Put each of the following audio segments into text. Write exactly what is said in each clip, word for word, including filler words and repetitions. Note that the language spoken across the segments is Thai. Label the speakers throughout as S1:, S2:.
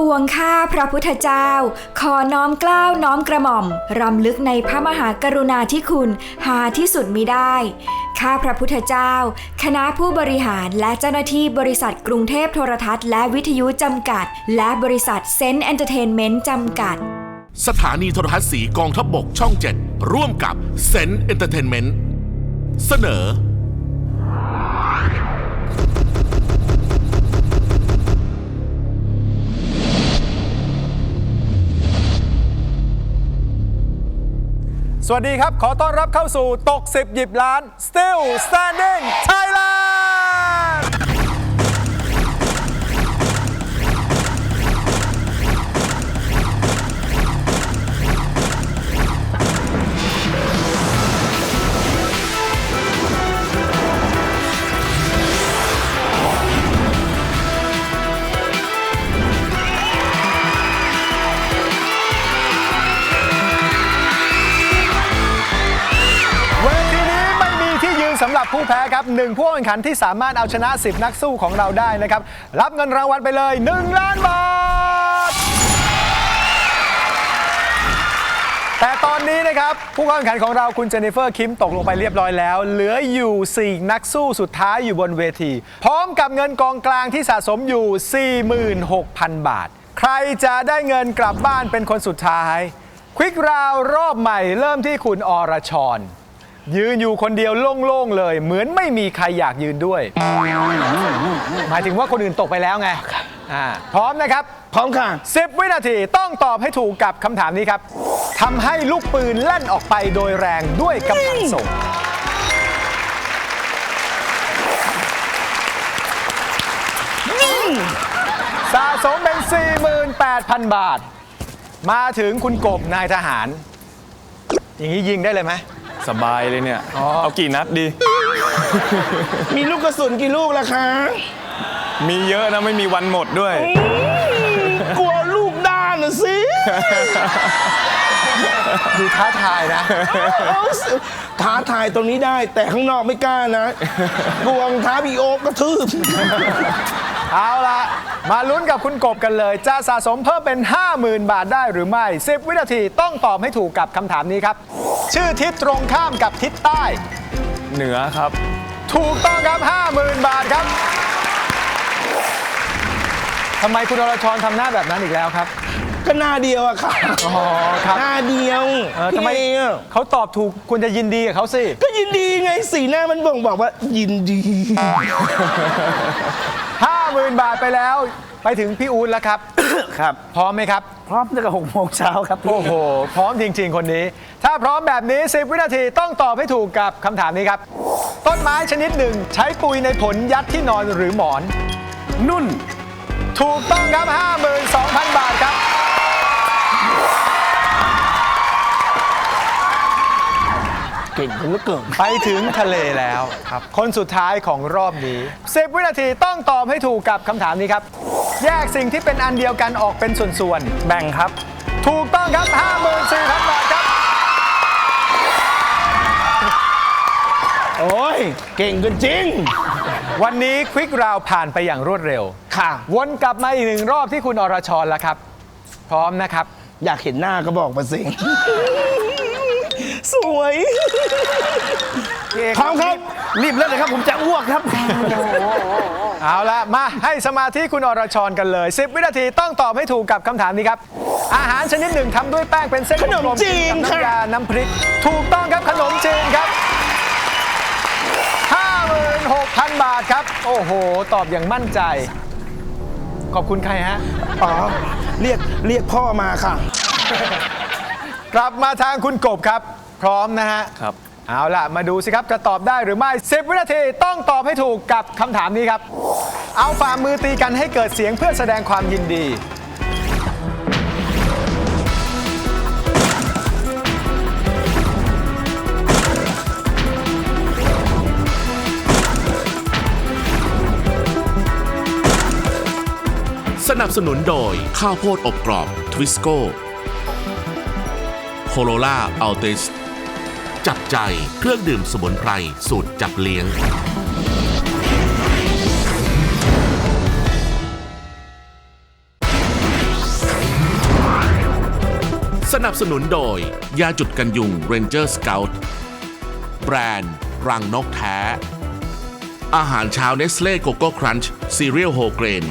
S1: วงข้าพระพุทธเจ้าขอน้อมเกล้าน้อมกระหม่อมรำลึกในพระมหากรุณาธิคุณหาที่สุดมิได้ข้าพระพุทธเจ้าคณะผู้บริหารและเจ้าหน้าที่บริษัทกรุงเทพโทรทัศน์และวิทยุจำกัดและบริษัทเซนต์เอนเตอร์เทนเมนต์จำกัด
S2: สถานีโทรทัศน์สีกองทัพบกช่องเจ็ดร่วมกับเซนต์เอนเตอร์เทนเมนต์เสนอ
S3: สวัสดีครับขอต้อนรับเข้าสู่ตกสิบหยิบล้าน Still Standing Thailand สำหรับผู้แพ้ครับหนึ่งผู้แข่งขันที่สามารถเอาชนะสิบนักสู้ของเราได้นะครับรับเงินรางวัลไปเลยหนึ่งล้านบาทแต่ตอนนี้นะครับผู้แข่งขันของเราคุณเจนนิเฟอร์คิมตกลงไปเรียบร้อยแล้วเหลืออยู่สี่นักสู้สุดท้ายอยู่บนเวทีพร้อมกับเงินกองกลางที่สะสมอยู่ สี่หมื่นหกพัน บาทใครจะได้เงินกลับบ้านเป็นคนสุดท้ายควิกราวรอบใหม่เริ่มที่คุณอรชรยืนอยู่คนเดียวโล่งๆเลยเหมือนไม่มีใครอยากยืนด้วยหมายถึงว่าคนอื่นตกไปแล้วไงพร้อมนะครับ
S4: พร้อมค่ะ
S3: สิบวินาทีต้องตอบให้ถูกกับคำถามนี้ครับทำให้ลูกปืนลั่นออกไปโดยแรงด้วยกำลังส่งสะสมเป็น สี่หมื่นแปดพัน บาทมาถึงคุณกบนายทหารอย่างนี้ยิงได้เลยไหม
S5: สบายเลยเนี่ยเอากี่นัดดี
S4: มีลูกกระสุนกี่ลูกล่ะคะ
S5: มีเยอะนะไม่มีวันหมดด้วย
S4: กลัวลูกด้านนะสิ
S3: ดูท้าทายนะ
S4: ท้าทายตรงนี้ได้แต่ข้างนอกไม่กล้านะกวงท้าพี่โอ๊กกระทืบ
S3: เอาละมาลุ้นกับคุณกบกันเลยจะสะสมเพิ่มเป็น ห้าหมื่น บาทได้หรือไม่สิบวินาทีต้องตอบให้ถูกกับคำถามนี้ครับชื่อทิศตรงข้ามกับทิศใต้
S5: เหนือครับ
S3: ถูกต้องครับ ห้าหมื่น บาทครับทำไมคุณอรชรทำหน้าแบบนั้นอีกแล้วครับ
S4: ก็หน้าเดียวอะค่ะ
S3: อ๋อครับ
S4: หน้าเดียว
S3: ทำไมเขาตอบถูกคุณจะยินดีกับเขาสิ
S4: ก็ยินดีไงสีหน้ามันบ่งบอกว่ายินดี
S3: ห้าหมื่น บาทไปแล้วไปถึงพี่อู๊ดแล้วครับ
S4: ครับ
S3: พร้อมไหมครับ
S4: พร้อมตั้งแต่หกโมงเช้าครับ
S3: โอ้โหพร้อมจริงๆคนนี้ถ้าพร้อมแบบนี้สิบวินาทีต้องตอบให้ถูกกับคำถามนี้ครับต้นไม้ชนิดหนึ่งใช้ปุยในผลยัดที่นอนหรือหมอน
S4: นุ่น
S3: ถูกต้องครับ ห้าหมื่นสองพัน บาทครับ
S4: เก่งเหลือเกิน
S3: ไปถึงทะเลแล้วครับคนสุดท้ายของรอบนี้สิบวินาทีต้องตอบให้ถูกกับคำถามนี้ครับแยกสิ่งที่เป็นอันเดียวกันออกเป็นส่วนๆแบ่งครับถูกต้องครับ ห้าหมื่นสี่พัน บาทครับ
S4: โอ้ยเก่งกันจริง
S3: วันนี้ควิกราวผ่านไปอย่างรวดเร็ว
S4: ค่ะ
S3: วนกลับมาอีกหนึ่งรอบที่คุณอรชรแล้วครับพร้อมนะครับ
S4: อยากเห็นหน้าก็บอกมาสิสวยพร้อมครับรีบเล่นเลยครับผมจะอ้วกครับ
S3: เอาละมาให้สมาธิคุณอรชรกันเลยสิบวินาทีต้องตอบให้ถูกกับคำถามนี้ครับอาหารชนิดหนึ่งทำด้วยแป้งเป็นเส้น
S4: ขนมจีน
S3: กับน้ำยาน้ำพริกถูกต้องครับขนมจีนครับ ห้าหมื่นหกพัน บาทครับโอ้โหตอบอย่างมั่นใจขอบคุณใครฮะ
S4: อ๋อเรียกเรียกพ่อมาค่ะ
S3: กลับมาทางคุณกบครับพร้อมนะฮะ
S5: ครับ
S3: เอาล่ะมาดูสิครับจะตอบได้หรือไม่สิบวินาทีต้องตอบให้ถูกกับคำถามนี้ครับเอาฝ่ามือตีกันให้เกิดเสียงเพื่อแสดงความยินดี
S2: สนับสนุนโดยข้าวโพดอบกรอบทวิสโก้โคโรล่าอัลติสจับใจเครื่องดื่มสมุนไพรสูตรจับเลี้ยง
S3: ส
S2: สนับสนุนโดย ยาจุดกันยุง Ranger Scout แบรนด์รังนกแท้ อาหารเช้าเนสเล่โกโก้ครันช์ซีเรียลโฮเกรน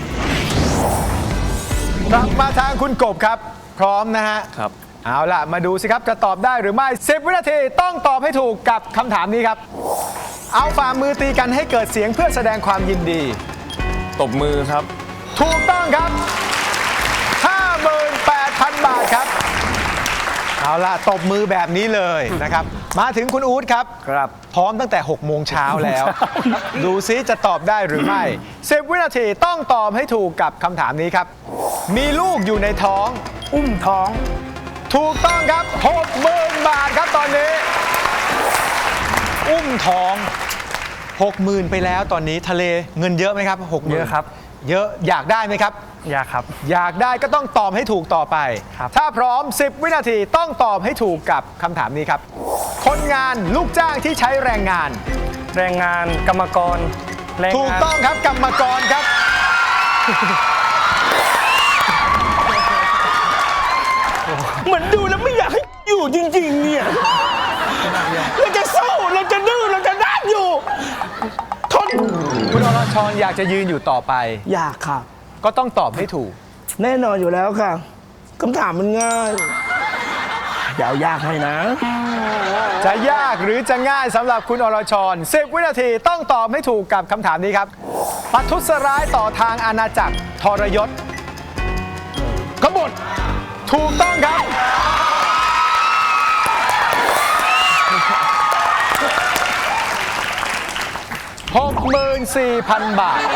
S3: กลับมาทางคุณกบครับ พร้อมนะฮะ
S5: ครับ
S3: เอาล่ะ มาดูสิครับจะตอบได้หรือไม่ สิบ วินาทีต้องตอบให้ถูกกับคำถามนี้ครับ เอาฝ่ามือตีกันให้เกิดเสียงเพื่อแสดงความยินดี
S5: ตบมือครับ
S3: ถูกต้องครับ ห้าหมื่นแปดพัน บาทครับ เอาล่ะ ตบมือแบบนี้เลยนะครับ มาถึงคุณอู๊ดครับ
S4: ครับ
S3: พร้อมตั้งแต่ หก โมงเช้าแล้ว ดูซิจะตอบได้หรือไม่ สิบ วินาทีต้องตอบให้ถูกกับคำถามนี้ครับ มีลูกอยู่ในท้อง
S4: อุ้มท้อง
S3: ถูกต้องครับ หกหมื่น บาทครับตอนนี้ อุ้มท้อง หกหมื่น ไปแล้วตอนนี้ทะเลเงินเยอะไหมครับ หกหมื่น
S6: เยอะครับ
S3: เยอะอยากได้ไหมครับ
S6: อยากครับ
S3: อยากได้ก็ต้องตอบให้ถูกต่อไป
S6: ครับ
S3: ถ้าพร้อม สิบ วินาทีต้องตอบให้ถูกกับคำถามนี้ครับ คนงานลูกจ้างที่ใช้แรงงาน
S6: แรงงานกรรมกรแรงงาน
S3: ถูกต้องครับกรรมกรครับ
S4: เหมือนดูแล้วไม่อยากให้อยู่จริงๆเนี่ย เราจะสู้เราจะดื้อเราจะด้านอยู่ ทน
S3: คุณอรชรอยากจะยืนอยู่ต่อไป
S4: อยากค่ะ
S3: ก็ต้องตอบให้ถูก
S4: แน่นอนอยู่แล้วค่ะคำถามมันง่ายอย่าเอายากให้นะ
S3: จะยากหรือจะง่ายสำหรับคุณอรชร สิบ วินาทีต้องตอบให้ถูกกับคำถามนี้ครับประทุษร้ายต่อทางอาณาจักรทรยศ
S4: กบฏ
S3: ถูกต้องครับ หกหมื่นสี่พัน บาท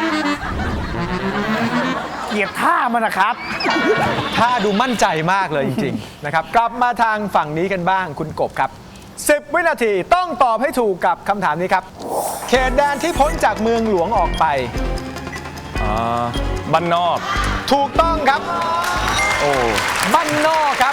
S4: เกลียดท่ามันนะครับ
S3: ถ้าดูมั่นใจมากเลยจริงๆ นะครับ กลับมาทางฝั่งนี้กันบ้างคุณกบครับ สิบ วินาทีต้องตอบให้ถูกกับคำถามนี้ครับ เขตแดนที่พ้นจากเมืองหลวงออกไป
S5: อ่า บ้านนอก
S3: ถูกต้องครับ
S5: โอ้
S3: บ้านนอกครับ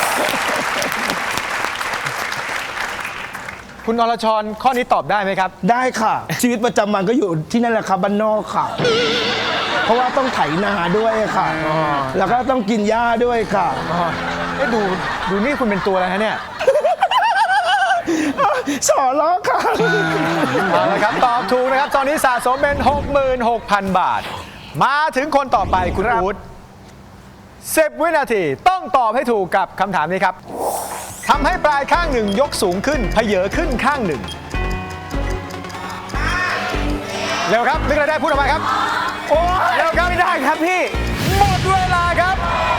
S3: คุณอรชรข้อนี้ตอบได้ไหมครับ
S4: ได้ค่ะ ชีวิตประจำวันก็อยู่ที่นั่นแหละครับบ้านนอกค่ะ เพราะว่าต้องไถนาด้วยค่ะ แล้วก็ต้องกินหญ้าด้วยค่ะ
S3: เอ๊ะดูดูนี่คุณเป็นตัวอะไรฮะเนี่ย
S4: สอล้อค่ะ
S3: เอาละครับ ตอบถูกนะครับ ตอนนี้สะสมเป็น หกหมื่นหกพัน บาท มาถึงคนต่อไปคุณ
S4: ครับ
S3: อู๊ดสิบ วินาทีต้องตอบให้ถูกกับคำถามนี้ครับทำให้ปลายข้างหนึ่งยกสูงขึ้นเพเยอขึ้นข้างหนึ่ง เร็วครับนึกอะไรได้พูดออกมาครับ โอ้เร็วครับไม่ได้ครับพี่ หมดเวลาครับ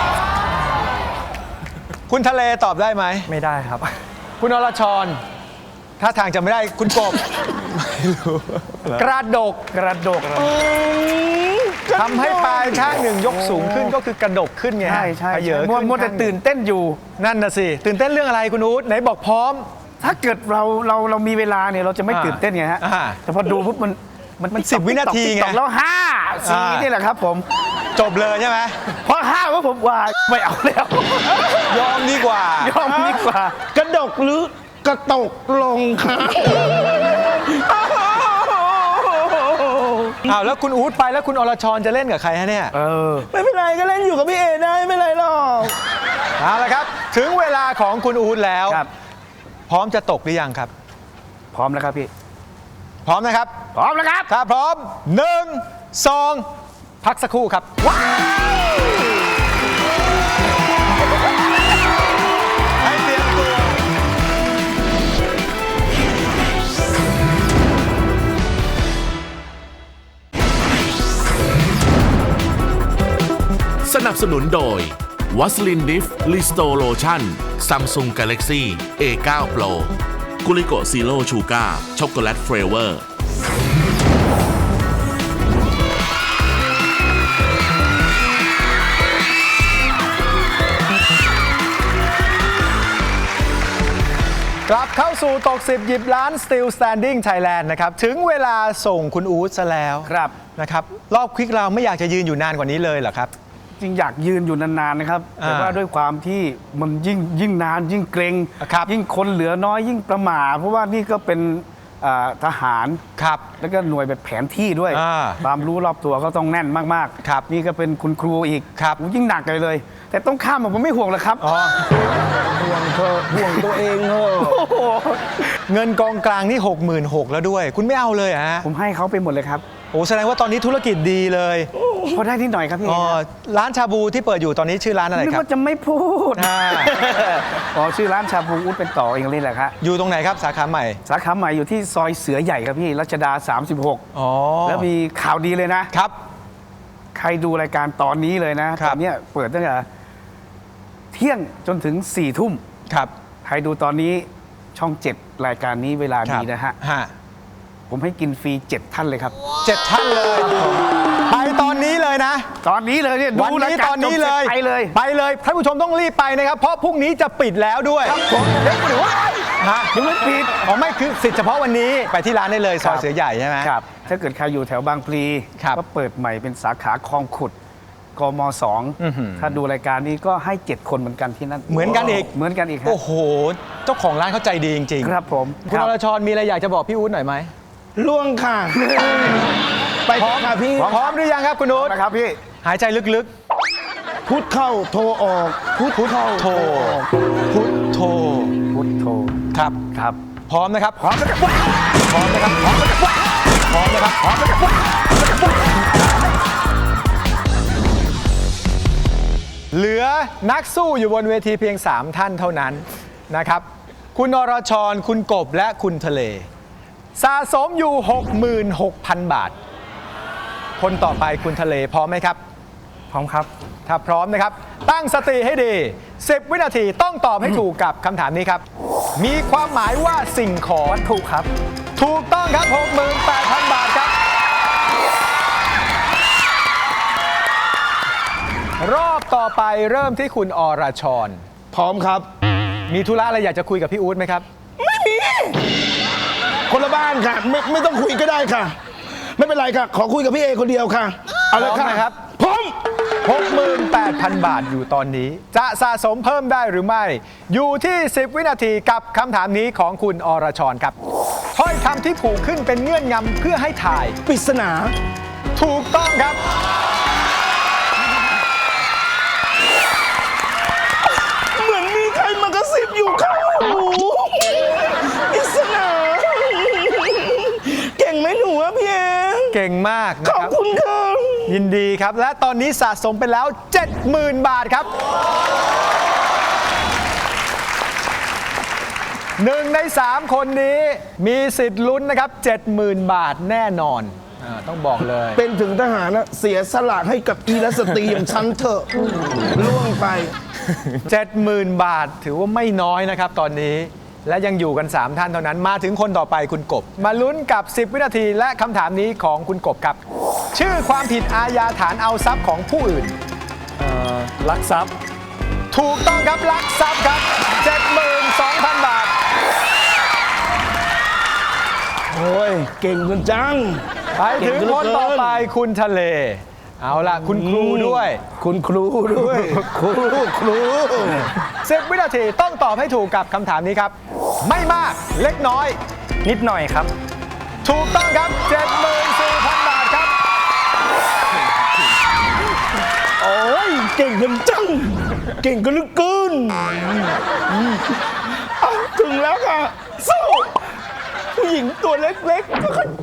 S3: คุณทะเลตอบได้ไหม
S6: ไม่ได้ครับ
S3: คุณอรชรถ้าทางจะไม่ได้คุณกบ กระดก
S6: กระดก
S3: ทำให้ปลายข้างหนึ่งยกสูงขึ้นก็คือกระดกขึ้นไงฮะ
S6: ใช่ใช่
S3: เพเยอ
S6: มัว
S3: ขึ้น
S6: มัวแต่
S3: ข้างหง
S6: ตื่นเต้นอยู่
S3: นั่นน่ะสิ ตื่นเต้นเรื่องอะไรคุณอู๊ดไหนบอกพร้อม
S6: ถ้าเกิดเราเราเรามีเวลาเนี่ยเราจะไม่
S3: อ่า
S6: ตื่นเต้นไงฮะ
S3: อ่า
S6: แต่พอดูปุ๊บมันมัน
S3: มันสิบวินาทีไง
S6: ตกแล้วห้าสี่
S3: อ่า
S6: นี่แหละครับผม
S3: จบเลยใช่ไหม
S6: พอห้าว่าผมว่าไม่เอาแล้ว
S3: ยอมดีกว่า
S6: ยอมดีกว่า
S4: กระดกหรือกระตกลงค่ะ
S3: อ้าวแล้วคุณอู๊ดไปแล้วคุณอรชรจะเล่นกับใครฮะเนี่ย
S6: เออ
S4: ไม่เป็นไรก็เล่นอยู่กับพี่เอได้ไม่เป็นไรหรอก
S3: เอาละครับ ถึงเวลาของคุณอู๊ดแล้ว
S6: ครับ
S3: พร้อมจะตกหรือยังครับ
S6: พร้อมแล้วครับพี่
S3: พร้อมนะครับ
S6: พร้อมแล้วครับ
S3: ถ้าพร้อมหนึ่งสองพักสักครู่ครับให้เตรียมตัว
S2: สนับสนุนโดยวัสลินดิฟลิสโตโลชั่นซัมซุงกาแล็กซี่ เอ ไนน์ Pro กุลิโกซีโร่ชูการ์ช็อกโกแลตเฟรเวอร์
S3: กลับเข้าสู่ตกสิบหยิบล้าน Still Standing Thailand นะครับ ถึงเวลาส่งคุณอู๊ดซะแล้ว
S6: ครับ
S3: นะครับ รอบควิกเราไม่อยากจะยืนอยู่นานกว่านี้เลยเหรอครับ
S6: จริงอยากยืนอยู่นานๆนะครับ แต่ว่าด้วยความที่มันยิ่งยิ่งนานยิ่งเกรง
S3: ครับ
S6: ยิ่งคนเหลือน้อยยิ่งประหม่าเพราะว่านี่ก็เป็นอ่าทหาร
S3: ครับ
S6: แล้วก็หน่วยแบบแผนที่ด้วย
S3: อ่า
S6: ความรู้รอบตัวก็ต้องแน่นมากๆ
S3: ครับ
S6: นี่ก็เป็นคุณครูอีก
S3: ครับ
S6: โอ้ยิ่งหนักเลยเลย แต่ต้องข้ามผมไม่ห่วงหรอกครับ
S3: อ๋อ
S4: ห่วงเธอห่วงตัวเองเถอะ
S3: เงินกองกลางนี่ หกหมื่นหกพัน แล้วด้วย คุณไม่เอาเลยเหรอฮะ
S6: ผมให้เขาไปหมดเลยครับ
S3: โอ้แสดงว่าตอนนี้ธุรกิจดีเลย
S6: พอได้นิดหน่อยครับพี่
S3: อ๋อร้านชาบูที่เปิดอยู่ตอนนี้ชื่อร้านอะไร
S6: นึก
S3: ครับ
S6: ว่าจะไม่พูด
S3: อ่า
S6: อ๋อชื่อร้านชาบูอุดเป็นต่อเองนี่แหละครับ
S3: อยู่ตรงไหนครับสาขาใหม่
S6: สาขาใหม่อยู่ที่ซอยเสือใหญ่ครับพี่รัชดา สามสิบหก
S3: อ๋อ
S6: แล้วมีข่าวดีเลยนะ
S3: ครับ
S6: ใครดูรายการตอนนี้เลยนะครับ ตอนเนี้ยเปิดตั้งแต่เที่ยงจนถึงสี่ทุ่ม
S3: ครับ
S6: ใครดูตอนนี้ช่องเจ็ดรายการนี้เวลาดีนะฮะ
S3: ฮะ
S6: ผมให้กินฟรีเจ็ดท่านเลยครับ
S3: เจ็ดท่านเลย ไปตอนนี้เลยนะ
S6: ตอนนี้เลยเนี่ย
S3: วัน
S6: ดูราย
S3: นี้
S6: การ
S3: ตอนนี้เลย
S6: จบสร็จไปเลย
S3: ไปเลยท่านผู้ชมต้องรีบไปนะครับ เพราะพรุ่งนี้จะปิดแล้วด้วย
S6: ครับผมเด็กหรือว่า
S3: ฮะยังไม่ปิดอ๋อไม่คือสิทธิ์เฉพาะวันนี้ไปที่ร้านได้เลยซอยเสือใหญ่ใช่ไหม
S6: ครับ ถ้าเกิดใครอยู่แถวบางพลี
S3: ครับ
S6: ก็เปิดใหม่เป็นสาขาคลองขุดกมสอง
S3: อื้อหือ
S6: ถ้าดูรายการนี้ก็ให้เจ็ดคนเหมือนกันที่นั่น
S3: เหมือนกันอีก
S6: เหมือนกันอีกครับ
S3: โอ้โห เจ้าของร้านเขาใจดีจริงๆ
S6: ครับผม
S3: คุณ
S6: ค
S3: อ
S6: รับ
S3: รชรมีอะไรอยากจะบอกพี่อู๊ดหน่อยไหม
S4: ล่วงค่ะ ไปพร้อมค่ะพี่
S3: พร้อมหรือยังครับคุณอู๊ด
S6: นะครับพี่
S3: หายใจลึก
S4: พุทเข้าโทรออกพุทเข้า
S3: ๆ โทรพุทโท
S6: พุทโธ
S3: ครับ
S6: ครับ
S3: พร้อมนะครับ พร้อมนะครับพร้อมนะครับ พร้อมนะครับพร้อมนะครับพร้อมนะครับเหลือนักสู้อยู่บนเวทีเพียง สาม ท่านเท่านั้นนะครับ คุณอรชร คุณกบ และคุณทะเล สะสมอยู่ หกหมื่นหกพัน บาท คนต่อไปคุณทะเลพร้อมไหมครับ
S6: พร้อมครับ
S3: ถ้าพร้อมนะครับ ตั้งสติให้ดี สิบ วินาทีต้องตอบให้ถูกกับคำถามนี้ครับ มีความหมายว่าสิ่งของ
S6: ถูกครับ
S3: ถูกต้องครับ หกหมื่นแปดพัน บาทครับ รอบต่อไปเริ่มที่คุณอรชร
S4: พร้อมครับ
S3: มีธุระอะไรอยากจะคุยกับพี่อู๊ดไหมครับ
S4: คนละบ้านค่ะ ไม่ไม่ต้องคุยก็ได้ค่ะ ไม่เป็นไรค่ะ ขอคุยกับพี่เอคนเดียวค่ะ เอาเลย
S3: พร้อม
S4: ค่ะ
S3: นะครับ
S4: พร้อม
S3: หกหมื่นแปดพัน บาทอยู่ตอนนี้ จะสะสมเพิ่มได้หรือไม่ อยู่ที่ สิบ วินาทีกับคำถามนี้ของคุณอรชรครับถ้อยคำที่ผูกขึ้นเป็นเงื่อนงำเพื่อให้ถ่าย
S4: ปริศนา
S3: ถูกต้องครับ
S4: เหมือนมีใครมากระซิบอยู่ข้างหูปริศนาเก่งไหมหนูอะพี่เอ
S3: เก่งมาก
S4: ข
S3: นะ
S4: อบ
S3: ครับ
S4: คุณค่ะ
S3: ยินดีครับ และตอนนี้สะสมไปแล้ว เจ็ดหมื่น บาทครับหนึ่งในสามคนนี้มีสิทธิ์ลุ้นนะครับ เจ็ดหมื่น บาทแน่นอนอาต้องบอกเลย
S4: เป็นถึงทหารนะเสียสละให้กับอีรัสตรีอย่างฉันเถอะล่วงไป
S3: เจ็ดหมื่น บาทถือว่าไม่น้อยนะครับตอนนี้และยังอยู่กัน สาม ท่านเท่านั้นมาถึงคนต่อไปคุณกบ มาลุ้นกับ สิบ วินาทีและคำถามนี้ของคุณกบครับ ชื่อความผิดอาญาฐานเอาทรัพย์ของผู้อื่น
S5: ลักทรัพย์
S3: ถูกต้องครับลักทรัพย์ครับ เจ็ดหมื่นสองพัน บาท
S4: โอ้ย เก่งกันจัง
S3: ไปถึงคนต่อไปคุณทะเล เอาล่ะคุณครูด้วย
S4: คุณครูด้วย ครูครู
S3: สิบ วินาทีต้องตอบให้ถูกกับคำถามนี้ครับ ไม่มากเล็กน้อย
S6: นิดหน่อยครับ
S3: ถูกต้องครับ เจ็ดหมื่นสี่พัน บาทครับ
S4: โอ้ย เก่งกันจัง เก่งกันเหลึกเกินอ่ะถึงแล้วค่ะสู้ผู้หญิงตัวเล็กๆก็ค่อย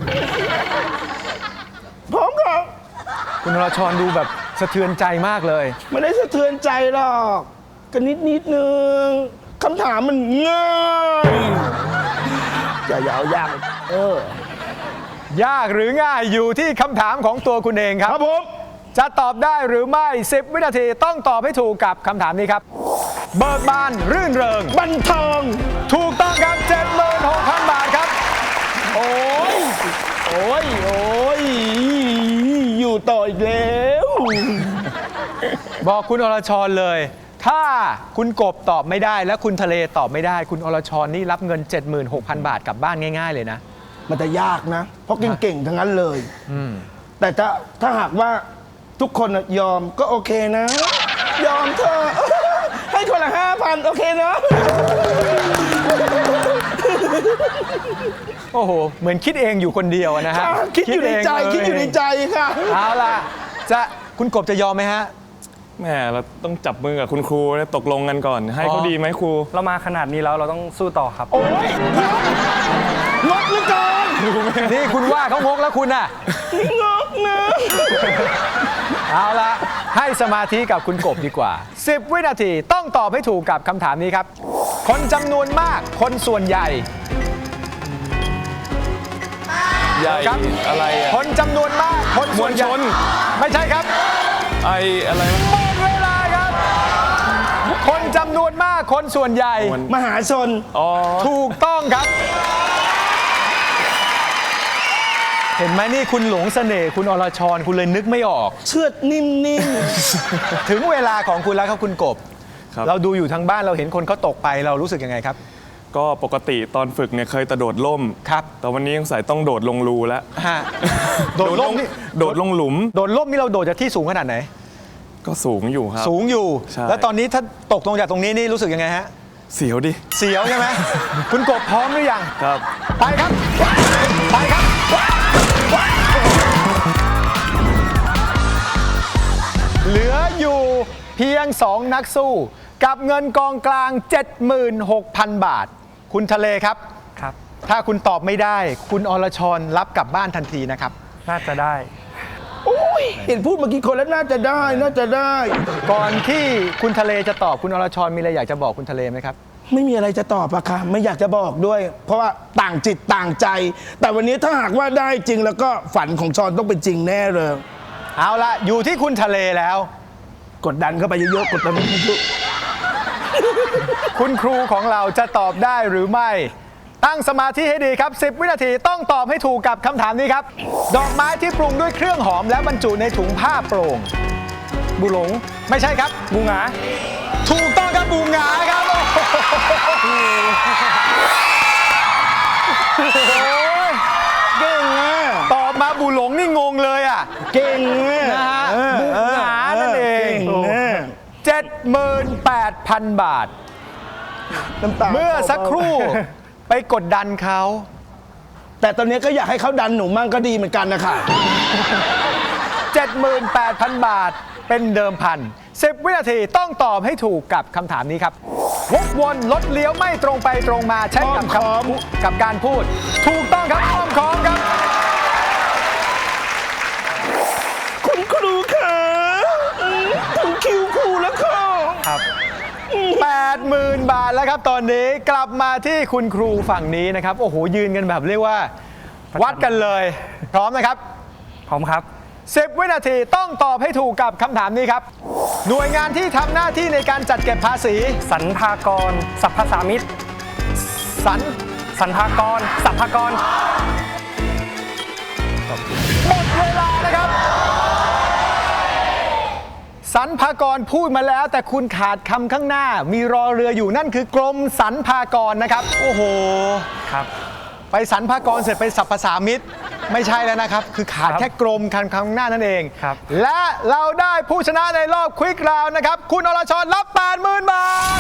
S4: พร้อมค่ะ
S3: คุณอรชรดูแบบสะเทือนใจมากเลย
S4: ไม่ได้สะเทือนใจหรอกก็นิดนิดๆนึงคำถามมันง่ายอย่าอย่าเอายากเออ
S3: ยากหรือง่ายอยู่ที่คำถามของตัวคุณเองค
S4: ครับ รับผม
S3: จะตอบได้หรือไม่ สิบ วินาทีต้องตอบให้ถูกกับคำถามนี้ครับ เบิกบานรื่นเริง
S4: บันเทิง
S3: ถูกต้องครับ เจ็ดหมื่นหกพัน บาทครับ
S4: โอ้ย โอ้ย โอ้ย อยู่ต่ออีกแล้ว
S3: บอกคุณอรชรเลย ถ้าคุณกบตอบไม่ได้และคุณทะเลตอบไม่ได้ คุณอรชรนี่รับเงิน เจ็ดหมื่นหกพัน บาทกลับบ้านง่าย ๆ เลยนะ
S4: มันจะยากนะ เพราะเก่งๆ ทั้งนั้นเลย แต่ถ้าถ้าหากว่าทุกคนน่ะยอมก็โอเคนะ ยอมเธอะให้คนละห้าพันโอเคเนาะ
S3: โอ้โห เหมือนคิดเองอยู่คนเดียวนะฮะ
S4: คิดอยู่ในใจ
S3: เง
S4: คิดอยู่ในใจค่ะ
S3: เอาล่ะ จะคุณกบจะยอมไหมฮะ
S5: แหมเราต้องจับมือกับคุณครูแล้วตกลงกันก่อน ให้เขา
S3: อ๋อ
S5: ดีไหมครู
S7: เรามาขนาดนี้แล้วเราต้องสู้ต่อครับ
S4: โอ้ยงกเหลือเกิน
S3: นี่คุณว่าเขางกแล้วคุณน่ะ
S4: งกนะ
S3: เอาละให้สมาธิกับคุณกบดีกว่า สิบ วินาทีต้องตอบให้ถูกกับคำถามนี้ครับ คนจำนวนมากคนส่วนใหญ่
S5: ใหญ่
S3: ครับ
S5: อะไรอะ
S3: คนจำนวนมากคนส่วนใหญ่
S5: มวลชน
S3: ไม่ใช่ครับ
S5: ไออะไรวะ
S3: หมดเวลาครับ คนจำนวนมากคนส่วนใหญ่
S5: มัน
S4: มหาชน
S5: อ๋อ
S3: ถูกต้องครับ เห็นไหมนี่คุณหลงเสน่ห์คุณอรชรคุณเลยนึกไม่ออก
S4: เชือดนิ่ม
S3: ถึงเวลาของคุณแล้วครับคุณกบ
S5: ครับ
S3: เราดูอยู่ทางบ้านเราเห็นคนเขาตกไปเรารู้สึกยังไงครับ
S5: ก็ปกติตอนฝึกเนี่ยเคยแต่โดดล่ม
S3: ครับ
S5: แต่วันนี้ยังใส่ต้องโดดลงรูแล้ว
S3: ฮะโดดล่มนี่
S5: โดดลงหลุม
S3: โดดล่มนี่เราโดดจากที่สูงขนาดไหน
S5: ก็สูงอยู่ครับ
S3: สูงอยู่
S5: ใช่
S3: แล้วตอนนี้ถ้าตกลงจากตรงนี้นี่รู้สึกยังไงฮะ
S5: เสียวดิ
S3: เสียวใช่ไหม คุณกบพร้อมหรือยัง
S5: ครับ
S3: ไปครับ ไปครับ เหลืออยู่เพียง สอง นักสู้ กับเงินกองกลาง เจ็ดหมื่นหกพัน บาท คุณทะเลครับ
S7: ครับ
S3: ถ้าคุณตอบไม่ได้ คุณอรชรรับกลับบ้านทันทีนะครับ
S7: น่าจะได้
S4: ๆโอ้ยเห็นพูดเมื่อกี้คนแล้วน่าจะได้น่าจะได้
S3: ก่อนที่คุณทะเลจะตอบคุณอรชรมีอะไรอยากจะบอกคุณทะเลไหมครับ
S4: ไม่มีอะไรจะตอบอะค่ะไม่อยากจะบอกด้วย เพราะว่าต่างจิตต่างใจ แต่วันนี้ถ้าหากว่าได้จริงแล้วก็ฝันของชอนต้องเป็นจริงแน่เลย
S3: เอาละอยู่ที่คุณทะเลแล้ว
S4: กดดันเข้าไปเยอะๆกดดันเยอะ
S3: คุณครูของเราจะตอบได้หรือไม่ ตั้งสมาธิให้ดีครับ สิบ วินาทีต้องตอบให้ถูกกับคำถามนี้ครับ ดอกไม้ที่ปรุงด้วยเครื่องหอมและบรรจุในถุงผ้าโปร่ง
S7: บุหลง
S3: ไม่ใช่ครับ
S7: บูหงา
S3: ถูกต้องครับบูหงาครับโอ้โห
S4: ๆเก่งอะ
S3: ตอบมาบูหลงนี่งงเลยอ่ะ
S4: เก่งอะ
S3: นะฮะ
S4: เออ
S3: บุหงานั่นเอง
S4: เก่งอะ
S3: เจ็ดหมื่นแปดพัน บาท
S4: น้ำตา
S3: เมื่อสักครู่ไปกดดันเขา
S4: แต่ตอนนี้ก็อยากให้เขาดันหนูมั่งก็ดีเหมือนกันนะคะ
S3: เจ็ดหมื่นแปดพัน บาทเป็นเดิมพัน สิบ วินาทีต้องตอบให้ถูกกับคำถามนี้ครับวกวนรถเลี้ยวไม่ตรงไปตรงมาใช้กับคำพูดกับการพูด ถูกต้องครับอ้อมค้อมครับ
S4: คุณครูค่ะอืมถึงคิวครูแล้วค่ะ
S7: ครับ
S3: แปดหมื่น บาทแล้วครับตอนนี้กลับมาที่คุณครูฝั่งนี้นะครับ โอ้โห ยืนกันแบบเรียกว่า วัดกันเลย พร้อมนะครับ
S7: พร้อมครับ
S3: สิบ วินาทีต้องตอบให้ถูกกับคำถามนี้ครับ หน่วยงานที่ทำหน้าที่ในการจัดเก็บภาษี
S7: สรรพากรสรรพสามิต
S3: สรร
S7: สรรพากรสรรพากร
S3: หมดเวลานะครับสรรพากรพูดมาแล้วแต่คุณขาดคำข้างหน้า มีรอเรืออยู่นั่นคือกรมสรรพากรนะครับ โอ้โห
S7: ครับ
S3: ไปสรรพากรเสร็จไปสรรพสามิตไม่ใช่แล้วนะครับ คือขาด
S7: ครับ
S3: แค่กรมคันข้างหน้านั่นเอง
S7: ครับ
S3: และเราได้ผู้ชนะในรอบควิกราวนะครับ คุณอรชรรับ แปดหมื่น บาท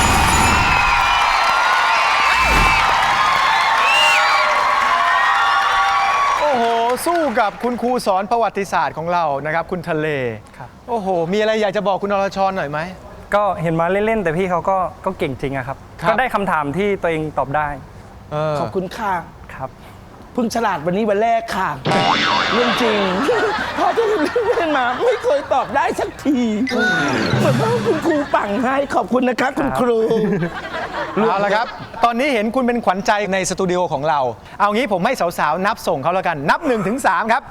S3: โอ้โห สู้กับคุณครูสอนประวัติศาสตร์ของเรานะครับ คุณทะเล
S7: ครับ
S3: โอ้โห มีอะไรอยากจะบอกคุณอรชรหน่อยไหม
S7: ก็เห็นมาเล่น ๆ แต่พี่เขาก็ก็เก่งจริงอะครับ
S3: ครับ
S7: ก็ได้คำถามที่ตัวเองตอบได้
S3: เออ
S4: ขอบคุณค่ะ
S7: ครับ
S4: เพิ่งฉลาดวันนี้วันแรกค่ะ เรื่องจริง พอที่เล่นมาไม่เคยตอบได้สักทีเหมือนว่าคุณครูปั่งให้ขอบคุณนะคะคุณครู
S3: เอาละครับ ตอนนี้เห็นคุณเป็นขวัญใจในสตูดิโอของเรา เอางี้ผมให้สาวๆ นับส่งเขาแล้วกัน นับหนึ่งถึงสามครับ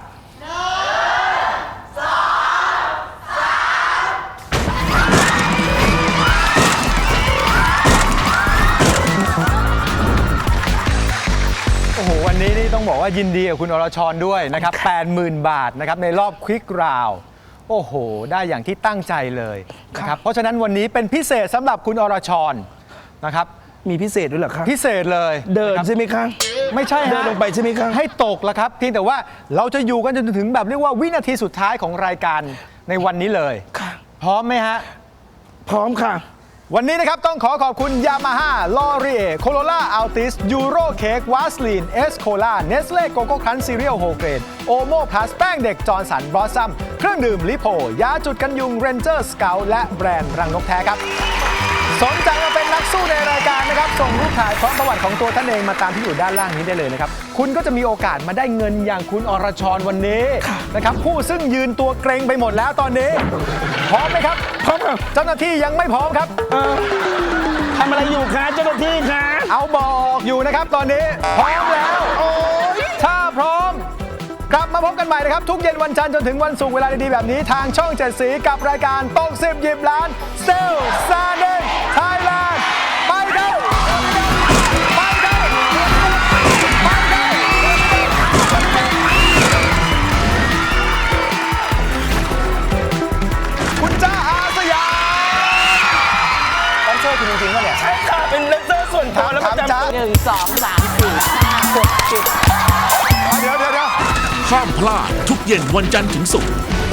S3: โอ้โห วันนี้นี่ต้องบอกว่ายินดีกับคุณอรชรด้วยนะครับ แปดหมื่น บาทนะครับในรอบควิกราว โอ้โห ได้อย่างที่ตั้งใจเลยนะครับ เพราะฉะนั้นวันนี้เป็นพิเศษสำหรับคุณอรชรนะครับ
S4: มีพิเศษด้วยเหรอคะ
S3: พิเศษเลย
S4: เดิน
S3: นะครับ
S4: ใช่ไหมคะ
S3: ไม่ใช่ฮะ
S4: เดินลงไปใช่ไหมครับ
S3: ให้ตกแล้วครับเพียงแต่ว่าเราจะอยู่กันจนถึงแบบเรียกว่าวินาทีสุดท้ายของรายการในวันนี้เลย
S4: ค่ะ
S3: พร้อมไหมฮะ
S4: พร้อมค่ะ
S3: วันนี้นะครับต้องขอขอบคุณ Yamaha l o r i e Corolla Altis Euro Cake Vaseline S Cola Nestle Coco Crunch Cereal Whole Grain Omo Plus แป้งเด็กจอร์สันบลอสซัมเครื่องดื่มลิโพยาจุดกันยุง Ranger Scout และแบรนด์รังนกแท้ครับสนใจมาเป็นนักสู้ในรายการนะครับส่งรูปถ่ายพร้อมประวัติของตัวท่านเองมาตามที่อยู่ด้านล่างนี้ได้เลยนะครับคุณก็จะมีโอกาสมาได้เงินอย่างคุณอรชรวันนี้นะครับผู้ซึ่งยืนตัวเกรงไปหมดแล้วตอนนี้พร้อมไหมครับพร้อมครับเจ้าหน้าที่ยังไม่พร้อมครับ
S4: ทำอะไรอยู่คะเจ้าหน้าที่คะ
S3: เอาบอกอยู่นะครับตอนนี้พร้อมแล้วโอ้ยถ้าพร้อมกลับมาพบกันใหม่นะครับทุกเย็นวันจันทร์จนถึงวันศุกร์เวลาดีๆแบบนี้ทางช่องเจ็ดสีกับรายการตกสิบหยิบล้านเซลซาเดนไทยแลนด์ไปกันไปกันไปกันคุณจ้าอาสยามต้องช่วยคุณจริงๆป่ะเนี่ย
S4: ใช่ค่ะ เป็นเลนเซอร์ส่วนตัวแล้วประ
S3: ถามจ๊ะ
S4: จำ
S8: หนึ่งสองสามสี่ห้าหกเจ็ด
S3: เดี๋ยวเดี๋ยวเดี๋ยว
S2: ห้ามพลาดทุกเย็นวันจันทร์ถึงศุกร์